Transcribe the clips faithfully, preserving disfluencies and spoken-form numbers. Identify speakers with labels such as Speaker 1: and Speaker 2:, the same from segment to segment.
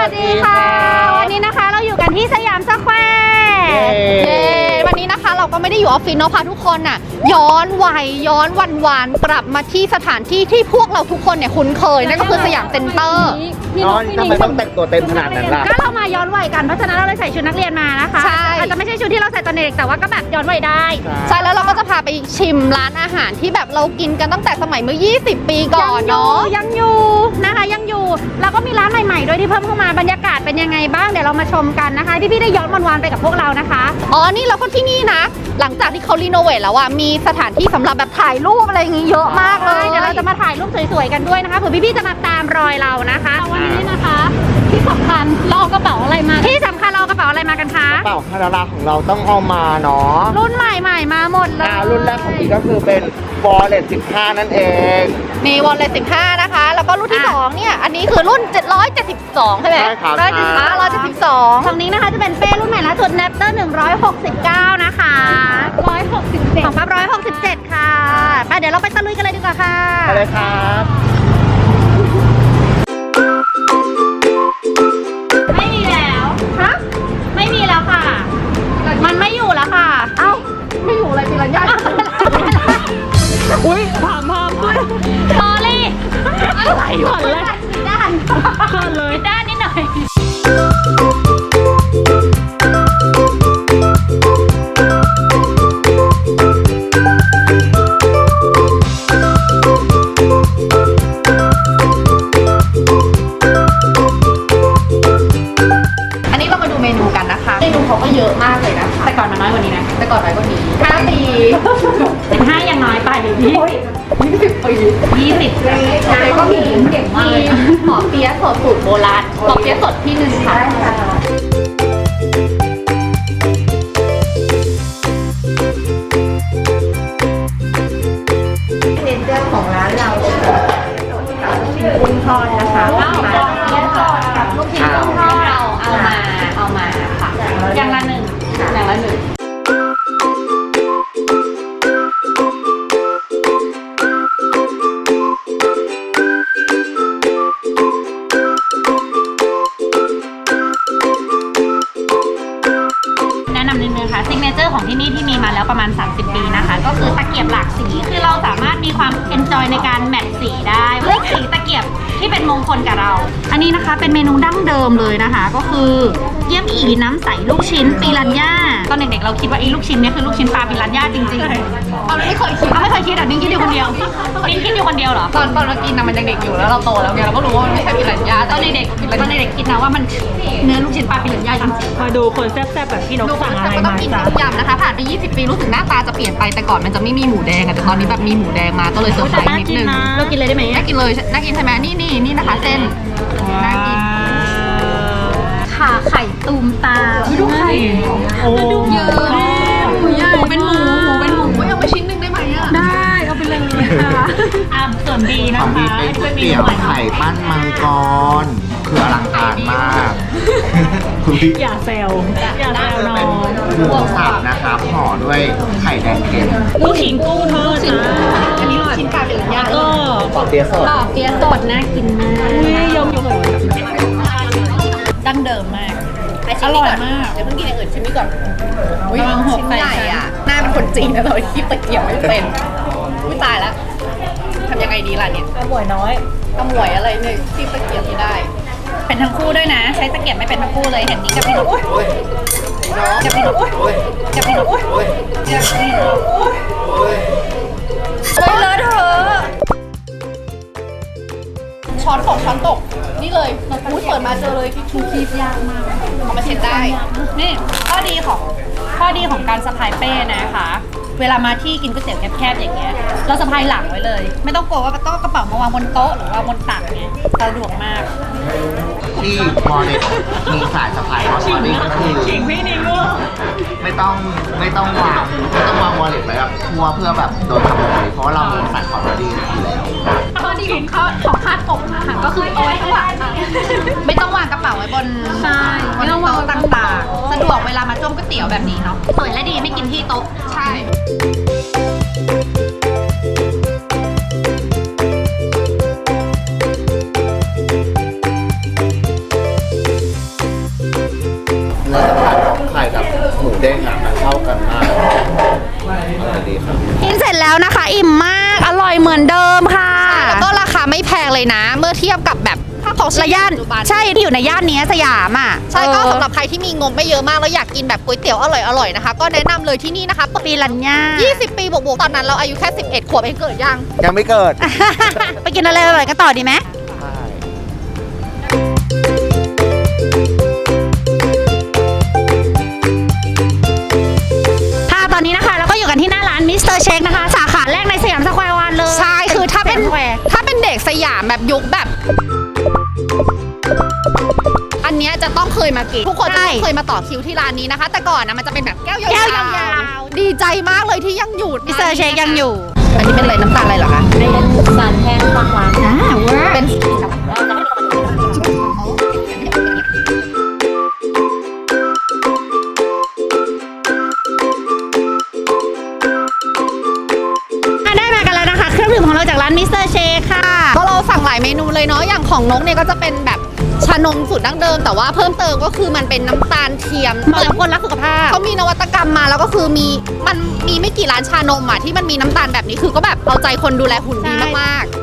Speaker 1: วัสดีค่ะวันนี้นะคะเราอยู่กันที่สยามสแควร์เย้วันนี้นะคะเราก็ไม่ได้อยู่ออฟฟิศเนาะพาทุกคนน่ะย้อนวัยย้อนวันวานกลับมาที่สถานที่ที่พวกเราทุกคนเนี่ยคุ้นเคยนั่นก็คือสยามเซ็นเตอร์
Speaker 2: น้องทำไมต้องแต่งตัวเต็มขนาดนั้นล่ะ
Speaker 1: ก็เรามาย้อนวัยกันเพราะฉะนั้นเราเลยใส่ชุดนักเรียนมานะคะใช่อาจจะไม่ใช่ชุดที่เราใส่ตอนเด็กแต่ว่าก็แบบย้อนวัยได้ใช่แล้วเราก็จะพาไปชิมร้านอาหารที่แบบเรากินกันตั้งแต่สมัยเมื่อยี่สิบปีก่อนเนาะยังอยู่นะคะยังอยู่แล้วก็มีร้านใหม่ๆด้วยที่เพิ่มเข้ามาบรรยากาศเป็นยังไงบ้างเดี๋ยวเรามาชมกันนะคะที่พี่ได้ย้อนวันวานไปกับพวกเรานะคะอ๋อนี่เราก็ที่นี่นะหลังจากที่เขารีโนเวทแล้วอะมีสถานที่สำหรับแบบถ่ายรูปอะไรอย่างงี้เยอะมากเลยเดี๋ยวเราจะมาถ่ายรูปสวยๆกันด้วยนะคะเผื่อพี่ๆจะมาตามรอยเรานะคะวันนี้นะคะที่สำคัญเราเอากระเป๋าอะไรมาที่สำคัญเราเอากระเป๋าอะไรมากันคะ
Speaker 2: กระเป๋าคาราลาของเราต้องเอามาเนาะ
Speaker 1: รุ่นใหม่ๆมาหมดเลย
Speaker 2: รุ่นแรกของพี่ก็คือเป็น Wallet สิบห้านั่นเอง
Speaker 1: นี่ Wallet สิบห้านะคะแล้วก็รุ่นที่สองเนี่ยอันนี้คือรุ่นเจ็ดร้อยเจ็ดสิบสองใช่ไหม
Speaker 2: ใช่ครับ
Speaker 1: ร้อยเจ็ดสิบห้าร้อยเจ็ดสิบสองฝั่งนี้นะคะจะเป็นเป้รุ่นใหม่ล่าสุด Napster หนึ่งร้อยหกสิบเก้านะคะหนึ่งร้อยหกสิบเจ็ดของปั๊บหนึ่งร้อยหกสิบเจ็ดค่ะไปเดี๋ยวเราไปตะลุยกันเลยดีกว่าค่ะ
Speaker 2: ไปเลยครับ
Speaker 1: ไม่มีแล้วฮะไม่มีแล้วค่ะมันไม่อยู่แล้วค่ะเอ้าไม่อยู่อะไรปิรัญญา
Speaker 3: อุ้ยถามพามด้วย
Speaker 1: สอรี่
Speaker 3: อะไรก่อนเลย
Speaker 1: ด้าน
Speaker 3: ก่อนเลย
Speaker 1: ด้านนิดหน่อยอันนี้เรามาดูเมนูกันนะคะเมนูเขาก็เยอะมากเลยนะคะแต่ก่อนมันน้อยกว่านี้นะแต่ก่อนน้อยกว่านี้ห้าปีสิบห้ายังน้อยไปพี่ยี่สิบปียี่สิบปีแล้วก็มีเก่งมากเลยหมอเปี๊ยะสดสูตรโบราณหมอเปี๊ยะสดที่หนึ่งค่ะเซนเจอร์ของร้านเรากุ้งทอดนะคะมาเปี๊ยะสดกับลูกชิ้นกุ้งทอดเอาเอามาเอามาค่ะอย่างละหนึ่งอย่างละหนึ่งซิกเนเจอร์ของที่นี่ที่มีมาแล้วประมาณสามสิบปีนะคะก็คือตะเกียบหลากสีคือเราสามารถมีความเอนจอยในการแมทสีได้เลือกสีตะเกียบที่เป็นมงคลกับเราอันนี้นะคะเป็นเมนูดั้งเดิมเลยนะคะก็คือเยี่ยมอีน้ำใสลูกชิ้นปิรันย่าตอนเด็กๆเราคิดว่าไอ้ลูกชิ้นนี้คือลูกชิ้นปลาปิรันย่าจริงๆเอาไม่เคยคิดเอาไม่เคยคิดอ่ะนิ้งคิดอยู่คนเดียวนิ้งคิดอยู่คนเดียวเหรอตอนตอนเรากินนะมันยังเด็กอยู่แล้วเราโตแล้วไงเราก็รู้ว่ามันไม่ใช่ปิรันย่าตอนเด็กๆตอนเด็กๆคิดนะว่ามันเนื้อลูกชิ้นปลาปิรันย่าจริงๆ
Speaker 3: มาดูคนแซ่บๆแบบพี่นกสั่งอะไรมาจ้ะ
Speaker 1: ยำนะคะผ่านไปยี่สิบปีรู้สึกหน้าตาจะเปลี่ยนไปแต่ก่อนมันจะไม่มีหมูแดงอะแต่ตอนนี้แบบมีหมูแดงมาก็เลยเซอร์ไพรส์นิดนึงเรากินเลยได้ไหมน่ากินเลยน่ากินใช่ไหมนี่นี่นี่นะคะเส้นน่ากินขาไข่ตูมตาดูไข่
Speaker 3: โอ้
Speaker 1: ดูเยอะหมูใหญ่เป็นหมูหมูเป็นหมูไม่เอาไปชิ้นหนึ่งได้ไหมอะ
Speaker 3: ได้เอาไปเลยค่ะอ่ะส่วนดีนะคะ
Speaker 2: เป็นก๋วยเตี๋ยวไข่ปั้นมังกรคืออลังการมาก
Speaker 3: อย่าแซวอย่าแซวน้อง
Speaker 2: หมูสับนะครับห่อด้วยไข่แดงเค็ม
Speaker 3: ลูกชิ้นกุ้งทอดนะ
Speaker 1: อันนี้ลูกชิ้นปลาปิรันย่า
Speaker 3: ก็
Speaker 2: ปอเปี๊ยะสด
Speaker 1: ปอเปี๊ยะสดน่ากินมาก
Speaker 3: ยมยม
Speaker 1: ดั้งเดิมมากอร่อยมากเดี๋ยวเพิ่งกินอย่างอื่นชิมนี่ก่อนอุ้ยชิ้นใหญ่อ่ะหน้าเป็นคนจีนนะเลยที่ตะเกียบไม่เป็นอุ้ยตายแล้วทำยังไงดีล่ะเนี่ย
Speaker 3: อร่อยน้อย
Speaker 1: อร่อยอะไรเนี่ยที่ตะเกียบไม่ได้เป็นทั้งคู่ด้วยนะใช้ตะเกียบไม่เป็นทั้งคู่เลยเห็นนี้กับพี่นุ๊กกับพี่นุ๊กกับพี่นุ๊กกับพี่นุ๊กโอ้ยเลอะเทอะช้อนตกช้อนตกนี่เลยอุ้ยเปิดมาเจอเลยที่ชูคีบยากมากเอามาเช็ดได้นี่ข้อดีของข้อดีของการสะพายเป้นะคะเวลามาที่กินก๋วยเตี๋ยวแคบๆอย่างเงี้ยเราสะพายหลังไว้เลยไม่ต้องกลัวว่าต้องกระเป๋ามาวางบนโต๊ะหรือว่าบนตักเงี้ยสะดวกมาก
Speaker 2: ที่วอลเล็ตมีสายสะพายของวอลเล็ตก็คือไม่ต้องไม่ต้องวางไม่ต้องวางวอลเล็ตไว้แบบทั่วเพื่อแบบโดนขโมยเพราะว่าเรามีสายคอร์ดดีอยู่แล้ว
Speaker 1: ข้อดีของข้อของคาดอกค่ะก็คือเอาไว้ข้างหลังไม่ต้องวางกระเป๋าไว้บนใช่ไม่ต้องวางต่างๆสะดวกเวลามาจ้มก๋วยเตี๋ยวแบบนี้เนาะสวยและดีไม่กินที่โต๊ะใช่แล้วนะคะอิ่มมากอร่อยเหมือนเดิมค่ะแล้วก็ราคาไม่แพงเลยนะ เมื่อเทียบกับแบบถ้าของระย่านใช่ที่อยู่ในย่านนี้สยามอ่ะใช่ก็สำหรับใครที่มีงบไม่เยอะมากแล้วอยากกินแบบก๋วยเตี๋ยวอร่อยๆนะคะก็แนะนำเลยที่นี่นะคะปีรัญญายี่สิบปีบวกๆตอนนั้นเราอายุแค่สิบเอ็ดขวบเองเกิดยัง
Speaker 2: ยังไม่เกิด
Speaker 1: ไปกินอะไรอร่อยกันต่อดีไหมค่ะตอนนี้นะคะเราก็อยู่กันที่หน้าร้านมิสเตอร์เชคนะคะสาขาแรกในสยามสแควร์วันเลยใช่คือถ้าเป็นถ้าเป็นเด็กสยามแบบยุคแบบอันเนี้ยจะต้องเคยมากินทุกคนจะต้องเคยมาต่อคิวที่ร้านนี้นะคะแต่ก่อนนะมันจะเป็นแบบแก้วยาวๆดีใจมากเลยที่ยังอยู่มิสเตอร์เชคยังอยู่อันนี้เป็นอะไรน้ำตาลอะไรเหรอคะเป็นสารแห้งบางร้านอ่าเป็นได้มากันแล้วนะคะเครื่องดื่มของเราจากร้านมิสเตอร์เชคค่ะก็เราสั่งหลายเมนูเลยเนาะอย่างของนกเนี่ยก็จะเป็นแบบชานมสูตรดั้งเดิมแต่ว่าเพิ่มเติมก็คือมันเป็นน้ำตาลเทียมเหมาะกับคนรักสุขภาพเขามีนวัตกรรมมาแล้วก็คือมีมันมีไม่กี่ร้านชานมอ่ะที่มันมีน้ำตาลแบบนี้คือก็แบบเอาใจคนดูแลหุ่นดีมากๆ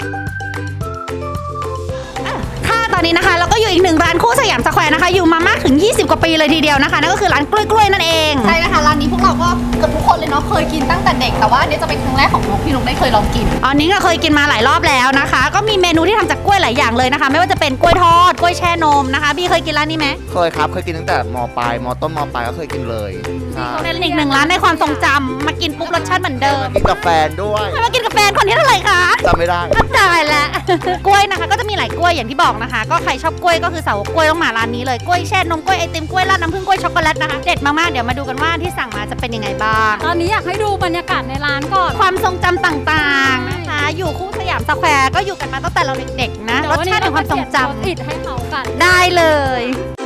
Speaker 1: ค่ะตอนนี้นะคะเราก็อยู่อีกหนึ่งร้านคู่สยามสแควร์นะคะอยู่มามากถึงยี่สิบกว่าปีเลยทีเดียวนะคะนั่นก็คือร้านกล้วยกล้วยนั่นเองใช่นะคะร้านนี้พวกเราก็เกือบทุกคนเลยเนาะเคยกินตั้งแต่เด็กแต่ว่าอันนี้จะเป็นครั้งแรกของนกที่นกได้เคยลองกินอันนี้ก็เคยกินมาหลายรอบแล้วนะคะก็มีเมนูที่ทำจากกล้วยหลายอย่างเลยนะคะไม่ว่าจะเป็นกล้วยทอดกล้วยแช่นมนะคะพี่เคยกินร้านนี้ไหม
Speaker 2: เคยครับเคยกินตั้งแต่มปลายมต้นมปลายก็เคยกินเลย
Speaker 1: เป็นอีกหนึ่งร้านในความทรงจำมากินปุ๊บรสชาติเหมือนเดิม
Speaker 2: กินกับแฟนด้วย
Speaker 1: มากินกับแฟนคนที่เท่าไหร่คะ
Speaker 2: จำไม่ได้
Speaker 1: ก็ตายแล้วกล้วยนะคะก็จะมีหลายกล้วยอย่างที่บอกนะคะก็ใครชอบกล้วยก็คือสาวกล้วยต้องมาร้านนี้เลยกล้วยแช่นมกล้วยไอติมกล้วยราดน้ำผึ้งกล้วยช็อกโกแลตนะคะเด็ดมากๆเดี๋ยวมาดูกันว่าที่สั่งมาจะเป็นยังไงบ้าง
Speaker 3: ตอนนี้อยากให้ดูบรรยากาศในร้านก่อน
Speaker 1: ความทรงจำต่างๆนะคะอยู่คู่สยามสแควร์ก็อยู่กันมาตั้งแต่เราเด็กๆนะรสชาติของความทรงจำ
Speaker 3: ติดให้เขากัน
Speaker 1: ได้เลย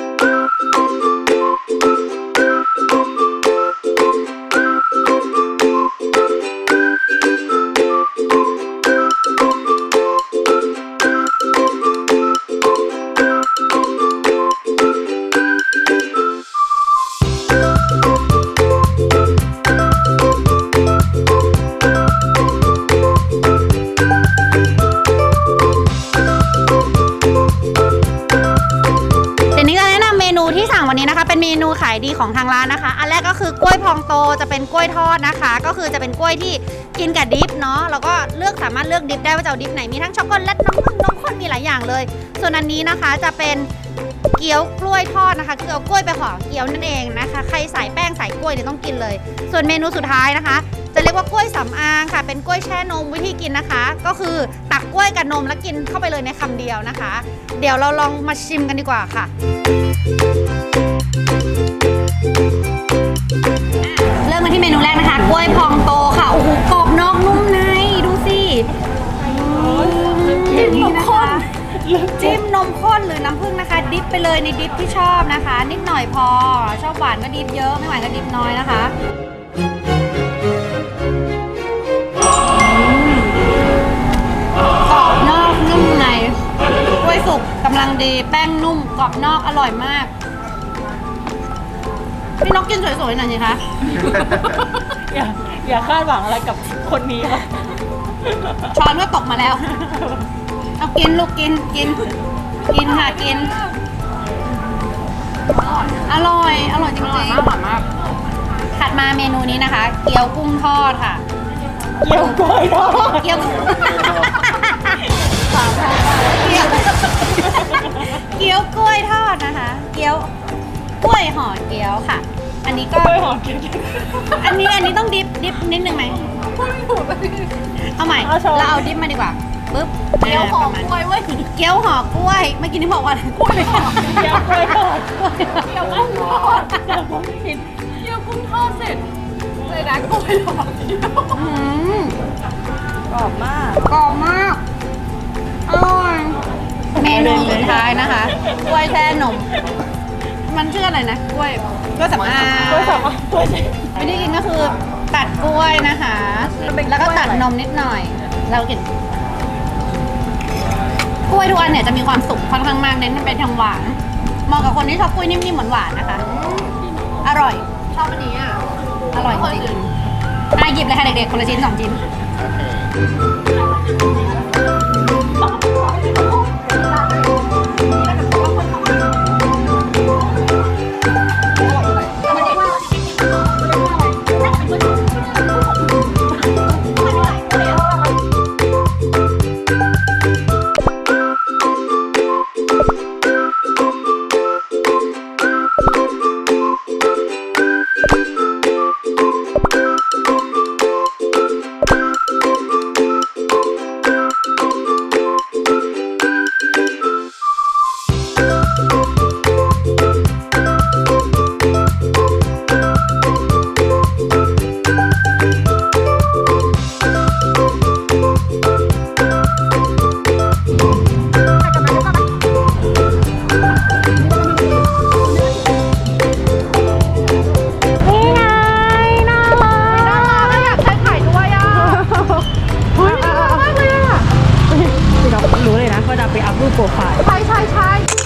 Speaker 1: วันนี้นะคะเป็นเมนูขายดีของทางร้านนะคะอันแรกก็คือกล้วยพองโตจะเป็นกล้วยทอดนะคะก็คือจะเป็นกล้วยที่กินกับดิฟเนาะแล้วก็เลือกสามารถเลือกดิฟได้ว่าจะเอาดิฟไหนมีทั้งช็อกโกแลตน้ำผึ้งนมข้นมีหลายอย่างเลยส่วนอันนี้นะคะจะเป็นเกี๊ยวกล้วยทอดนะคะคือเอากล้วยไปห่อเกี๊ยวนั่นเองนะคะใครใส่แป้งใส่กล้วยเนี่ยต้องกินเลยส่วนเมนูสุดท้ายนะคะจะเรียกว่ากล้วยสำอางค่ะเป็นกล้วยแช่นมวิธีกินนะคะก็คือตักกล้วยกับนมแล้วกินเข้าไปเลยในคำเดียวนะคะเดี๋ยวเราลองมาชิมกันดีกว่าค่ะเริ่มมาที่เมนูแรกนะคะกล้วยพองโตค่ะโอ้โหกรอบนอกนุ่มในดูสิจิ้มนมข้นจิ้มนมข้นหรือน้ำผึ้งนะคะดิปไปเลยในดิปที่ชอบนะคะนิดหน่อยพอชอบหวานก็ดิปเยอะไม่หวานก็ดิปน้อยนะคะกรอบนอกนุ่มในกล้วยสุกกำลังดีแป้งนุ่มกรอบนอกอร่อยมากพี่นกกินสวยๆหน่อยสิคะ
Speaker 3: อย่าอย่าคาดหวังอะไรกับคนนี้ค่ะ
Speaker 1: ช้อนก็ตกมาแล้วเอากินลูกกินกินกินค่ะกินอร่อยอร่อยจริงๆอร่อยมากถัดมาเมนูนี้นะคะเกี๊ยวกุ้งทอดค่ะ
Speaker 3: เกี๊ยวกล้วยทอด
Speaker 1: เกี๊ยวเกี๊ยวเกี๊ยวกล้วยทอดนะคะเกี๊ยวกล้วยห่อเกี๊ยวค่ะอันนี้ก็อันนี้อันนี้ต้องดิฟดิฟนิดนึงไหมเอาใหม่เราเอาดิฟมาดีกว่าปึ๊บเกี๊ยวห่อกล้วยเว้ยเกี๊ยวห่อกล้วยเมื่อกี้นี่บอกว่ากล้วยไม่ใช่
Speaker 3: เกี๊ยวกล้วยทอดเกี๊ยวกุ้งทอดแต่ผมไม่กินเกี๊ยวกุ้งทอดเสร็จเลยนะกล้วยทอดกรอบมาก
Speaker 1: กรอบมากอร่อยเมนูสุดท้ายนะคะกล้วยแช่นมมันชื่ออะไรนะกล้วยกล้วยสำอาง
Speaker 3: กล้วยสำอางกล้วย
Speaker 1: วิธีกินก็คือตัดกล้วยนะคะแล้วก็ตัดนมนิดหน่อยเรากินกล้วยทุกอันเนี่ยจะมีความสุกค่อนข้างมากเน้นเป็นทางหวานเหมาะกับคนที่ชอบกล้วยนิ่มๆหวานๆนะคะอร่อยชอบอันนี้อ่ะอร่อยจริงอ่ะหยิบเลยค่ะเด็กๆคนละชิ้นสองชิ้น นี่ไงน่ารักน่ารักอยากใช้ถ่ายด้วยอ่ะเฮ้ยน่ารักมากเลยอ่ะ
Speaker 3: พี่น้องรู้เลยนะก็จะไปอัพรูปโปรไฟล์
Speaker 1: ใช่ใช่ใช่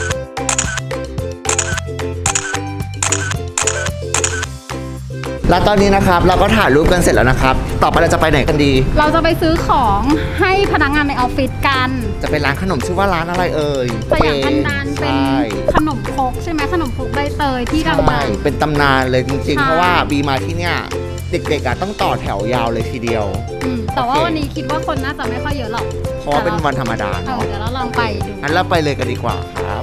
Speaker 2: แล้วตอนนี้นะครับเราก็ถ่ายรูปกันเสร็จแล้วนะครับ ต่อไปเราจะไปไหนกันดี
Speaker 1: เราจะไปซื้อของให้พนักงานในออฟฟิศกัน
Speaker 2: จะเป็นร้านขนมชื่อว่าร้านอะไรเอ่ย
Speaker 1: สยามพันดานเป็น
Speaker 2: ใช่
Speaker 1: ขนมครกใช่ไหมขนมครกใบเตยที่ดั
Speaker 2: ใช่
Speaker 1: ง
Speaker 2: เป็นตำนานเลยจริง
Speaker 1: ใช่
Speaker 2: ๆ เพราะว่าบีมาที่เนี่ยเด็กๆอะต้องต่อแถวยาวเลยทีเดียว
Speaker 1: ๆอืมแต่ว่า
Speaker 2: โอเค
Speaker 1: วันนี้คิดว่าคนน่าจะไม่ค่อยเยอะหรอก
Speaker 2: เพราะว่าเป็นวันธรรมดา
Speaker 1: เออ
Speaker 2: เนาะ
Speaker 1: เดี๋ยวเราลองไปดู
Speaker 2: งั้นเราไปเลยกันดีกว่าครับ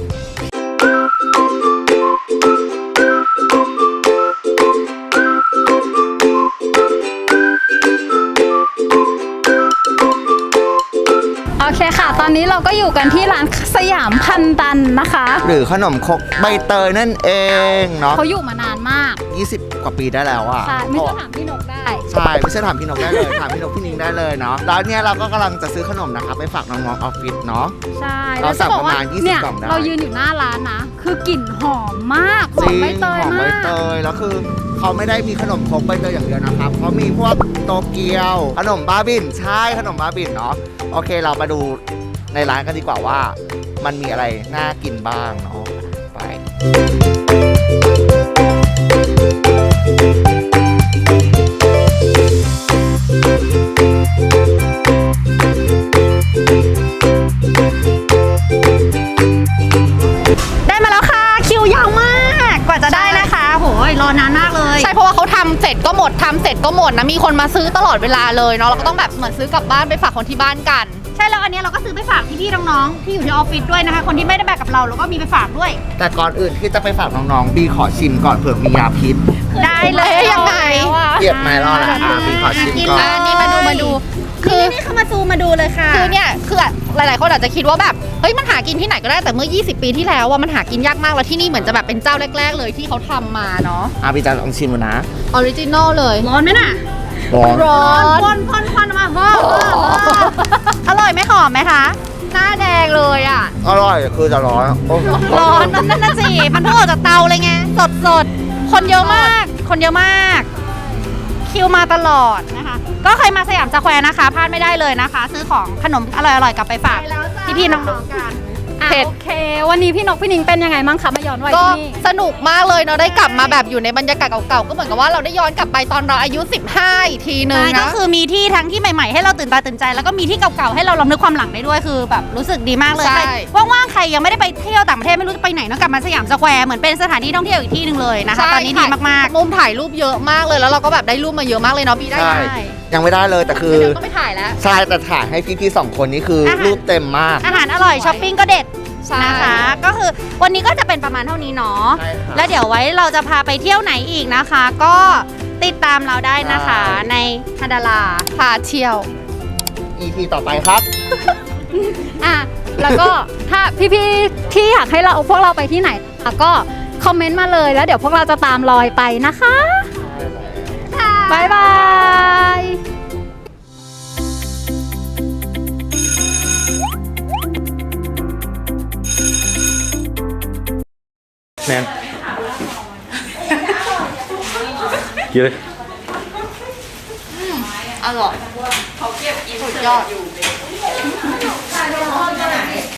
Speaker 1: โอเคค่ะ ตอนนี้เราก็อยู่กันที่ร้านสยามพันดันนะคะ
Speaker 2: หรือขนมครกใบเตยนั่นเองเนาะ
Speaker 1: เขาอยู่มานานมาก
Speaker 2: ยี่สิบกว่าปีได้แล้วอะ
Speaker 1: ใช่ไม่ใช่ถามพี่นกได้
Speaker 2: ใช่ไม่ใช่ถามพี่นกได้เลย ถามพี่นกพี่นิงได้เลยเนาะแล้วเนี่ยเราก็กำลังจะซื้อขนมนะครับไปฝากน้องๆออฟฟิศเนาะ
Speaker 1: ใช่
Speaker 2: เราสั่ง
Speaker 1: แล้วจบอกว่
Speaker 2: ประมาณยี่สิบ
Speaker 1: เนี่ย
Speaker 2: กล่องได้
Speaker 1: เรายืนอยู่หน้าร้านนะ คือกลิ่นหอมมากห
Speaker 2: จ
Speaker 1: อม
Speaker 2: ริง
Speaker 1: ใบเตย
Speaker 2: หอมใบ
Speaker 1: มาก
Speaker 2: เตยแล้วคือเขาไม่ได้มีขนมครกใบเตยอย่างเดียวนะครับเขามีพวกโตเกียว ขนมบ้าบินใช่ขนมบ้าบินเนาะโอเคเรามาดูในร้านกันดีกว่าว่า มันมีอะไรน่ากินบ้างเนาะไป
Speaker 1: ได้มาแล้วค่ะคิวยาวมากกว่าจะได้นะคะโหยรอนานมากเลย
Speaker 4: ใช่เพราะว่าเขาทำเสร็จก็หมดทำเสร็จก็หมดนะมีคนมาซื้อตลอดเวลาเลยเนาะเราก็ต้องแบบเหมือนซื้อกลับบ้านไปฝากคนที่บ้านกัน
Speaker 1: ใช่แล้วอันนี้เราก็ซื้อไปฝากพี่ๆน้องๆที่อยู่ที่ออฟฟิศด้วยนะคะคนที่ไม่ได้แบบกับเราเราก็มีไปฝากด้วย
Speaker 2: แต่ก่อนอื่นที่จะไปฝากน้องๆบีขอชิมก่อนเผื่อมียาพิษ
Speaker 1: ได้เลย
Speaker 4: เอ๊ะยังไง
Speaker 2: เกียบไม้รอดแล้วอ่ะบีขอชิมก่อน
Speaker 4: อ่ะนี่มาดูมาดู
Speaker 1: คือนี่เขามาซูมมาดูเลยค่ะ
Speaker 4: คือเนี่ยคือหลายๆคนอาจจะคิดว่าแบบเฮ้ยมันหากินที่ไหนก็ได้แต่เมื่อยี่สิบปีที่แล้วว่ามันหากินยากมากแล้วที่นี่เหมือนจะแบบเป็นเจ้าแรก ๆ เลยที่เขาทำมาเนาะ
Speaker 2: อ่ะบีจะลองชิมดูนะ
Speaker 4: ออริจินอลเลย
Speaker 1: ร้อนไหมน่ะ
Speaker 2: ร้อน
Speaker 4: ร้อน
Speaker 1: พ่นพ่นพ่นมาพ่นอร่อยไหมหอมไหมคะ
Speaker 4: หน้าแดงเลยอ่ะ
Speaker 2: อร่อยคือจะร้อนโอ้
Speaker 1: ร้อนนั่นน่ะสิมันเพิ่งออกจากเตาเลยไงสดสดๆคนเยอะมาก คนเยอะมาก คิวมาตลอดนะคะ ก็ใครมาสยามสแควร์นะคะพลาดไม่ได้เลยนะคะ ซื้อของขนมอร่อยๆกลับไปฝากพี่ๆน้องๆกัน
Speaker 4: เผ็ด
Speaker 1: โอเค วันนี้พี่นกพี่นิงเป็นยังไงบ้างคะมาย้อนวัย
Speaker 4: ก็
Speaker 1: ที่นี่
Speaker 4: สนุกมากเลยเนาะได้กลับมาแบบอยู่ในบรรยากาศเก่าๆก็เหมือนกับว่าเราได้ย้อนกลับไปตอนเราอายุสิบห้าอีกทีนึง
Speaker 1: ใช่ก็
Speaker 4: นะ
Speaker 1: คือมีที่ทั้งที่ใหม่ๆ ให้เราตื่นตาตื่นใจ แล้วก็มีที่เก่าๆ ให้เราลำลึกความหลังได้ด้วยคือแบบรู้สึกดีมากเลย
Speaker 4: ใช่
Speaker 1: ใครว่างๆ ใครยังไม่ได้ไปเที่ยวต่างประเทศไม่รู้จะไปไหนเนอะกลับมาสยามสแควร์เหมือนเป็นสถานที่ท่องเที่ยวอีกที่หนึ่งเลยนะคะตอนนี้ดีมาก
Speaker 4: มุมถ่ายรูปเยอะมากเลยแล้วเราก็แบบได้รูปมาเยอะมากเลยเนาะพี่ได้
Speaker 2: ใช่
Speaker 4: ไหม
Speaker 2: ยังไม่ได้เลยแต่คือ
Speaker 4: เดี๋ยวก็ไม่ถ่ายแล้ว
Speaker 2: ใช่แต่ถ่ายให้พี่ๆสองคนนี้คืออา
Speaker 1: หาร
Speaker 2: รูปเต็มมาก
Speaker 1: ๆ อาหารอร่อยช้อปปิ้งก็เด็ด
Speaker 4: ใช่
Speaker 1: นะคะ ก็คือวันนี้ก็จะเป็นประมาณเท่านี้เนาะ
Speaker 2: ใช่ค่ะ
Speaker 1: แล้วเดี๋ยวไว้เราจะพาไปเที่ยวไหนอีกนะคะ ก็ติดตามเราได้นะคะ
Speaker 2: ใช่
Speaker 1: ในฮันดารา
Speaker 4: พาเที่ยว
Speaker 2: อี พี ต่อไปครับ
Speaker 1: อ่ะ แล้วก็ ถ้าพี่ๆที่อยากให้เราพวกเราไปที่ไหนอ่ะก็คอมเมนต์มาเลยแล้วเดี๋ยวพวกเราจะตามรอยไปนะคะบายบาย
Speaker 5: แนนกินเลย
Speaker 4: อร่อยเขาเก็บอินสุดยอด